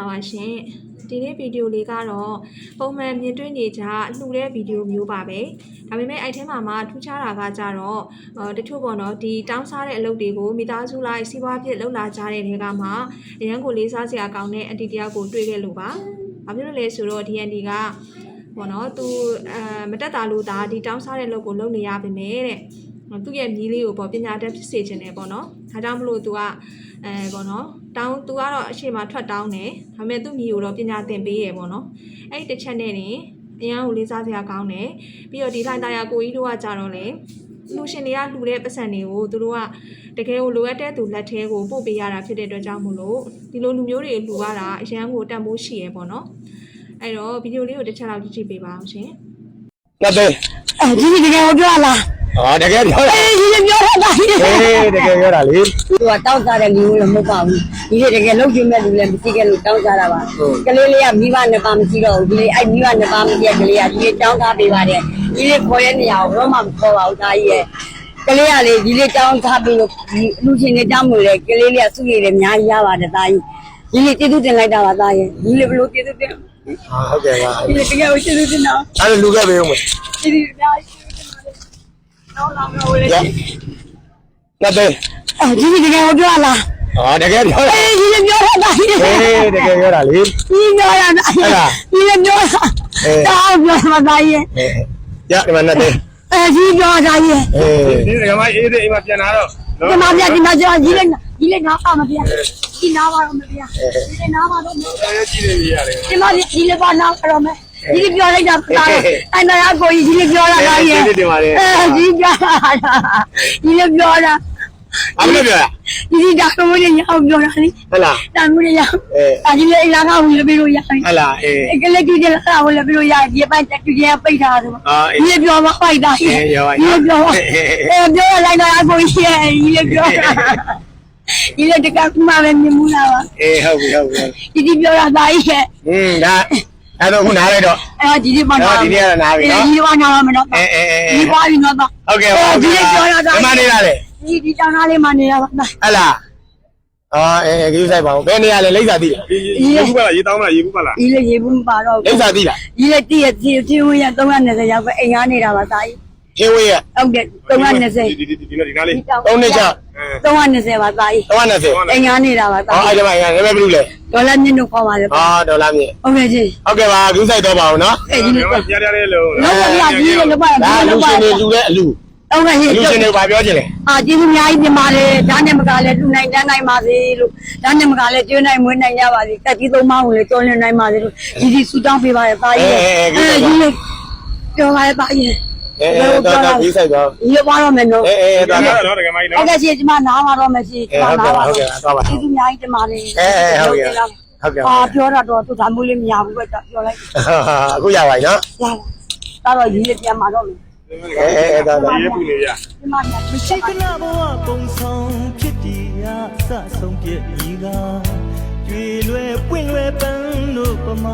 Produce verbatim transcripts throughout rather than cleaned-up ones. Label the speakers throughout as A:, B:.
A: ပါရှင်ဒီနေ့ဗီဒီယိုလေးကတော့ပုံမှန်မြင်တွေ့နေကြလှူတဲ့ဗီဒီယိုမျိုးပါပဲဒါပေမဲ့အဲ့ထဲမှာမှထူးခြားတာကကြတော့တချို့ပေါ့နော်ဒီတောင်းစားတဲ့အလုပ်တွေကိုမိသားစုလိုက်စီးပွားဖြစ်လုပ်လာကြတဲ့တွေကမှအရန်ကိုလေးစားစရာကောင်းတဲ့အန်တီတယောက်ကိုတွေ့ခဲ့လို့ပါဘာဖြစ်လို့လဲဆိုတော့ဒီအန်တီကပေါ့နော်သူအဲမတက်တာလို့ဒါဒီတောင်းစားတဲ့အလုပ်ကိုလုပ်နေရပါမယ်တဲ့သူ့ရဲ့မြီးလေးကိုပေါ့ပညာတတ်ဖြစ်စေချင်တယ်ပေါ့နော်ဒါကြောင့်မလို့သူကအဲပေါ့နော်တောင်းသူကတော့အချိန်မှာထွက်တောင်းတယ်ဒါပေမဲ့သူ့မြီးကိုတော့ပညာသင်ပေးရပေါ့နော်အဲ့ဒီတစ်ချက်နဲ့နေအရန်ကိုလေးစားစရာကောင်းတယ်ပြီးတော့ဒီလှိုင်သားရကိုကြီးတို့ကကြတော့လေလူရှင်တွေကလှူတဲ့ပတ်စံတွေကိုသူတို့ကတကယ်ကိုလိုအပ်တဲ့သူလက်ထဲကိုပို့ပေးရတာဖြစ်တဲ့အတွက်ကြောင့်မို့လို့ဒီလိုလူမျိုးတွေလှူရတာအရန်ကိုတန်ဖိုးရှိရပေါ့နော်အဲ့တော့ဗီဒီယိုလေးကိုတစ်ချက်လောက်ကြည့်ကြည့်ပေးပါအောင်ရှင်
B: ဟုတ်တယ်
C: အဲဒီတကယ်ကိုပြောလား
B: အော်တကယ်ပြောတာ
C: အေးဒီပြောတာအေး
B: တကယ်ပြောတာလေ
C: သူကတောင်းစားတဲ့လူလည်းမဟုတ်ပါဘူးဒီတကယ်လုံးကျင်းမဲ့လူလည်းမရှိခဲ့လို့တောင်းစားတာပါကလေးလေးကမိဘနှစ်ပါးမရှိတော့ဘူးဒီလေးအဲ့မိဘနှစ်ပါးမရှိတဲ့ကလေးကဒီလေးတောင်းစားပေးပါတယ်ဒီလေးခေါ်တဲ့နေရာကိုတော့မှမခေါ်ပါဘူးဒါကြီးရဲ့ကလေးကလေဒီလေးတောင်းစားပေးလို့ဒီလူချင်းတွေတောင်းလို့လေကလေးလေးကစုရည်လည်းအများကြီးရပါတယ်ဒါကြီးဒီလေးကျေးဇူးတင်လိုက်တာပါဒါရဲ့ဒီလေးဘလို့ကျေးဇူးတင်
B: ဟုတ်ကဲ့ပါ
C: ဒီလေးတကယ်ကိုကျေးဇူးတင်တော့
B: အဲ့လိုလူခဲ့ပေးဦးမယ်
C: ဒီလေးအများကြီးတော့လာတော့လေ
B: ဟုတ်တယ်
C: အဲဒီတကယ်ကိုပြောလား
B: အော်တကယ်ပြောတာ
C: အေးဒီပြောတာအေး
B: တကယ်ပြောတာလေ
C: ဒီပြောတာဟုတ်လားဒီပြောတာတောင်းပြောမှာသားရဲ့
B: ရဒီမှာနဲ့တယ်
C: အဲဒီပြောတာရဲ့
B: ဒီကမအေးတဲ့အိမ်မှာပြန်လာတော့
C: ဒီမှာပြန်ဒီမှာကျဒီလေးဒီလေးနားပါမပြန်ဒီနားပါတော့မပြန်ဒီလေးနားပါတော့မပြန်
B: ကြည့်နေရတယ်
C: ဒီမှာဒီလေးပါနားတော့မယ်ဒီလိုပြောလိုက်တာပါအဲ့တော့ကိုကြီးဒီလိုပြောတာကရဲ့အဲဒီပြောတာဒီလိုပြောတာ
B: ဘာလို့ပြောတာ
C: ဒီဒီတာကိုလည်းရအောင်ပြောတာလေ
B: ဟုတ်လား
C: တာကိုလည်းရအောင်အဲဒီလေလာကဝင်လို့ပြလို့ရတယ်
B: ဟုတ်လားအေး
C: ကလေးကြီးလာကဝင်လို့ပြလို့ရတယ်ဒီပိုင်းတူကြီးပိတ်ထားတယ်ဒီလိုပြောမှပိုက်တာဒီလိုပြောအဲပြောလိုက်တော့အကိုကြီးရဲ့ဒီလိုပြောတာဒီလိုတကကမှပဲမြင်မှုလားပါ
B: အေးဟုတ်ပြီဟုတ်ပြီ
C: ဒီဒီပြောတာသားကြီးရဲ့
B: อืมဒါအဲ့တော့ခုနားလိုက်တော့
C: အဲ့ဒီဒီပါနာ
B: ဒီနေ့ကတော့နားပြီနော်
C: ဒီပါနာမနော်
B: အေးအေးအေး
C: ဒီပါပြီနော်
B: ဟုတ်ကဲ့ဟုတ်
C: ကဲ့ဒီပြောရတာ
B: ဒီမှာနေတာလေ
C: ဒီဒီတောင်းသားလေးမှနေတာပါ
B: ဟဲ့လားအော်အေးအေးကြီးဆိုင်ပါဦးဘယ်နေရာလဲလိမ့်စာသိလား
D: ရေဘူးပါလားရေတောင်းမလားရေဘူးပါလား
C: ဒီလေရေဘူးမပါတော့
B: လိမ့်စာသိလား
C: ဒီလေတည့်ရတည့်တည့်ဝင်ရသုံးနှစ်ဆယ်ရောက်ပဲအိမ်ကားနေတာပါသားကြီး
B: ဟင်းဝေးရ
C: ဟုတ်ကဲ့သုံးနှစ်ဆယ်
D: ဒီဒီဒီဒီနားလေး
B: သုံးနှစ်ချ
C: သုံးနှစ်ဆယ်ပါသားကြီး
B: သုံးနှစ်ဆယ်
C: အိမ်ကားနေတာပါသား
B: ကြီးအော်အဲ့ဒီမှာအိမ်ကားဘယ်လိုလဲ
C: ဒေါ်လာမြင့်တို့ခေါ်ပါလေ
B: အော်ဒေါ်လာမြင့်
C: ဟုတ်ကဲ့ကြီး
B: ဟုတ်ကဲ့ပါလူဆိုင်တော့ပါအောင်နော်
C: အဲ့ဒီ
D: ပြရရလေးလို့
C: လောက်ပါပြကြီးလောက်ပါ
B: ဒါလူရှင်တွေလူတဲ့အလူ
C: ဟုတ်ကဲ့ကြီး
B: လူရှင်တွေဘာပြောချင်လဲ
C: အာကျေးဇူးအများကြီးတင်ပါတယ်ဒါနဲ့မကလည်းလူနိုင်တန်းနိုင်ပါစေလို့ဒါနဲ့မကလည်းကျွေးနိုင်မွေးနိုင်ရပါစေတက်ကြီးသုံးပါးကိုလည်းကျော်လွန်နိုင်ပါစေလို့ဒီဒီဆူတောင်းပေးပါရပါရဲ့အဲဒီလေပြောပါရပါရဲ့
B: အေးတော့တော့ပြီးဆိုင်တော့
C: ဒီလိုပါတော့မယ်နော်
B: အေးအေးတော့
D: တော့တကယ်မကြီးနော်
C: ဟုတ်ကဲ့ရှင်ဒီမှာနားပါတော့မယ်ရှင်ဒီမှာနားပါ
B: ဟုတ်ကဲ့သွားပါ
C: ကျေးဇူးအများကြီးတင်ပါတယ်
B: အေးအေးဟုတ်ကဲ့ဟုတ်ကဲ့
C: အာပြောတာတော့သူဒါမျိုးလေးမရဘူးပဲပြောလိုက်
B: အခုရပါပြီနော်
C: ရပါတော့ဒီလေးပြန်มาတော့မယ်
B: အေးအေးတော့
D: ရေပူနေရ
C: ဒီမှာ
E: မရှိခဏဘဝပုံဆောင်ဖြစ်တည်ရစဆုံးပြည့်ဤကကျွေလွယ်ပွင့်လွယ်ပန်းတို့ပမာ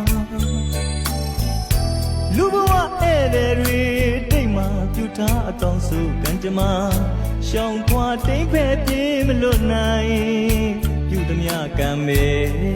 E: လူဘဝဧည့်သည်တွေတိတ်မှပြူထားအတောင်စုကံကြမ္မာရှောင်းခွာတိတ်ဖဲပြေးမလွတ်နိုင်ပြုသည်များကံမေ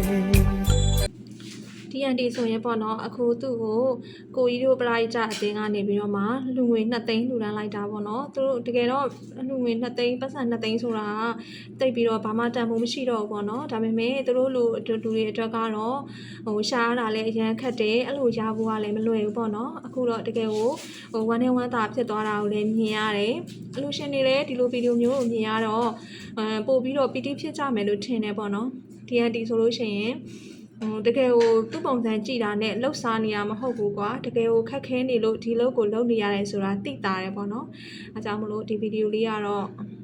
A: ဒီအန်တီဆိုရင်ပေါ့နော်အခုသူ့ကိုကိုကြီးတို့ပလာကြအတင်းကနေပြီးတော့မှလူငွေနှစ်သိန်းလူတန်းလိုက်တာပေါ့နော်သူတို့တကယ်တော့လူငွေနှစ်သိန်းပတ်စံနှစ်သိန်းဆိုတာတိတ်ပြီးတော့ဘာမှတန်ဖိုးမရှိတော့ဘူးပေါ့နော်ဒါပေမဲ့သူတို့လူလူတွေအတွက်ကတော့ဟိုရှားတာလည်းအရန်ခက်တယ်အဲ့လိုရဖို့ကလည်းမလွယ်ဘူးပေါ့နော်အခုတော့တကယ်ကိုဟိုဝမ်းနဲ့ဝမ်းသာဖြစ်သွားတာကိုလည်းမြင်ရတယ်အလူရှင်တွေလည်းဒီလိုဗီဒီယိုမျိုးကိုမြင်ရတော့အဲပို့ပြီးတော့ပီတိဖြစ်ကြမယ်လို့ထင်တယ်ပေါ့နော်ဒီအန်တီဆိုလို့ရှိရင်ဟိုတကယ်ကိုသူ့ပုံစံကြည့်တာနဲ့လှုပ်ရှားနေရမဟုတ်ဘူးကွာတကယ်ကိုခက်ခဲနေလို့ဒီလုပ်ကိုလုပ်နေရတယ်ဆိုတာသိတာတယ်ပေါ့နော်အဲကြောင့်မလို့ဒီဗီဒီယိုလေးကတော့